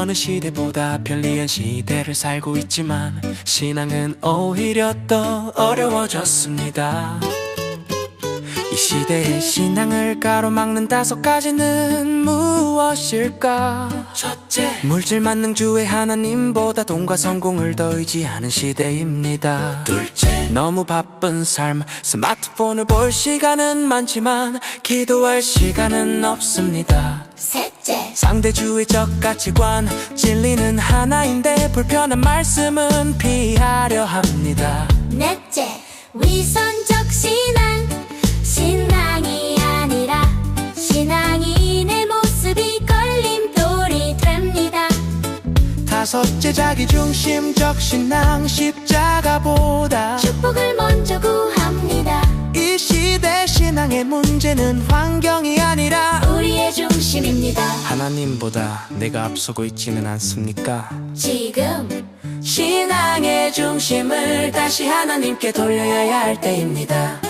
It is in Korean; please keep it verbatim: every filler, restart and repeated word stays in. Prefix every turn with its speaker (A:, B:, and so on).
A: 어느 시대보다 편리한 시대를 살고 있지만 신앙은 오히려 더 어려워졌습니다. 이 시대의 신앙을 가로막는 다섯 가지는 무엇일까? 첫째, 물질 만능주의 하나님보다 돈과 성공을 더 의지하는 시대입니다. 둘째, 너무 바쁜 삶, 스마트폰을 볼 시간은 많지만 기도할 시간은 없습니다.
B: 셋째,
A: 상대주의적 가치관, 진리는 하나인데 불편한 말씀은 피하려 합니다.
B: 넷째, 위선적 신앙, 신앙이 아니라 신앙인의 모습이 걸림돌이 됩니다.
A: 다섯째, 자기중심적 신앙, 십자가보다
B: 축복을 먼저 구합니다.
A: 이 시대 신앙의 문제는 환경이 아니라
B: 우리의 중심입니다.
A: 하나님보다 내가 앞서고 있지는 않습니까?
B: 지금
A: 신앙의 중심을 다시 하나님께 돌려야 할 때입니다.